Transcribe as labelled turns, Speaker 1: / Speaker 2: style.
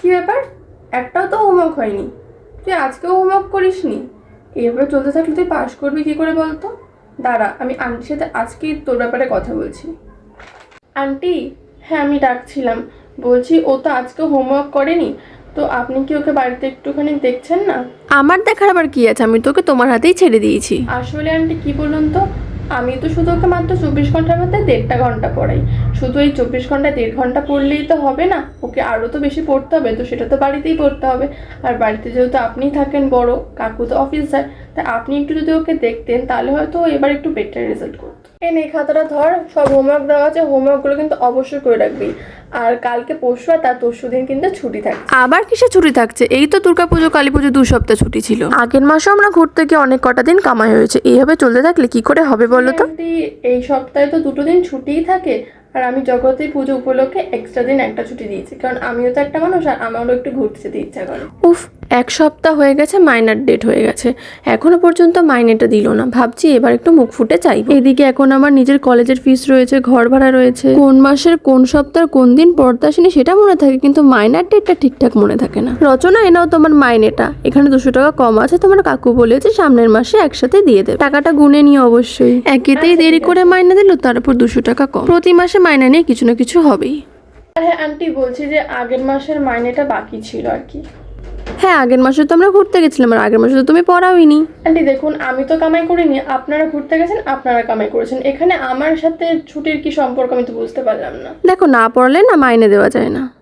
Speaker 1: কি ব্যাপার, একটাও তো হোমওয়ার্ক হয়নি? তুই আজকেও হোমওয়ার্ক করিসনি? এভাবে চলতে থাকলে তুই পাস করবি কি করে বলতো? দাঁড়া, আমি আন্টির সাথে আজকেই তোর ব্যাপারে কথা বলছি। আন্টি, হ্যাঁ আমি ডাকছিলাম, বলছি ও তো আজকে হোমওয়ার্ক করেনি, তো আপনি কি ওকে বাড়িতে একটুখানি দেখছেন না?
Speaker 2: আমার দেখার আবার কি আছে, আমি তোকে তোমার হাতেই ছেড়ে দিয়েছি।
Speaker 1: আসলে আন্টি কি বলুন তো, আমি তো শুধু ওকে মাত্র 24 ঘন্টার মধ্যে 1.5 ঘন্টা পড়াই। শুধু এই 24 ঘন্টায় 1.5 ঘন্টা পড়লেই তো হবে না, ওকে আরও তো বেশি পড়তে হবে, তো সেটা তো বাড়িতেই পড়তে হবে। আর বাড়িতে যেহেতু আপনিই থাকেন বড়, কাকু তো অফিস যায়, তাই আপনি একটু যদি ওকে দেখতেন তাহলে হয়তো এবার একটু বেটার রেজাল্ট করতো। এই খাতাটা ধর, সব হোমওয়ার্ক দেওয়া আছে, হোমওয়ার্কগুলো কিন্তু অবশ্যই করে রাখবি। আর কালকে পরশু আর তার তরশু দিন কিন্তু ছুটি থাকে।
Speaker 2: আবার কিসে ছুটি থাকছে? এই তো দুর্গাপুজো কালী পুজো 2 সপ্তাহ ছুটি ছিল। আগের মাসে আমরা ঘুরতে গিয়ে অনেক কটা দিন কামাই হয়েছে, এইভাবে চলতে থাকলে কি করে হবে বলো তো?
Speaker 1: এই সপ্তাহে তো 2 দিন ছুটিই থাকে, আর আমি জগতী পুজো উপলক্ষে এক্সট্রা দিন একটা ছুটি দিয়েছি, কারণ আমিও তো একটা মানুষ আর আমারও একটু ঘুরতে যেতে ইচ্ছা করে।
Speaker 2: উফ, 1 সপ্তাহ হয়ে গেছে, মাইনার ডেট হয়ে গেছে, এখনো পর্যন্ত মাইনেটা দিল না। ভাবছি এবার একটু মুখ ফুটে চাইবো। এদিকে এখন আমার নিজের কলেজের ফিস রয়েছে, ঘর ভাড়া রয়েছে, কোন মাসের কোন সপ্তাহের কোন দিন পড়তে আসেনি সেটা মনে থাকে, কিন্তু মাইনার ডেটটা ঠিকঠাক মনে থাকে না। রচনা, এনাও তোমার মাইনেটা, এখানে 200 টাকা কম আছে, তোমার কাকু বলেছে সামনের মাসে একসাথে দিয়ে দেবে। টাকাটা গুনে নিয়ে অবশ্যই, একেতেই দেরি করে মাইনে দিল, তারপর 200 টাকা কম। প্রতি মাসে মাইনে নিয়ে কিছু না কিছু হবেই।
Speaker 1: আর হ্যাঁ আন্টি, বলছি যে আগের মাসের মাইনেটা বাকি ছিল আর কি।
Speaker 2: হ্যাঁ, আগের মাসে তো আমরা ঘুরতে গেছিলাম, আর আগের মাসে তো তুমি পড়াওইনি।
Speaker 1: আন্টি দেখুন, আমি তো কামাই করিনি, আপনারা ঘুরতে গেছেন, আপনারা কামাই করেছেন, এখানে আমার সাথে ছুটির কি সম্পর্ক আমি তো বুঝতে পারলাম না।
Speaker 2: দেখো, না পড়লে না মাইনে দেওয়া যায় না।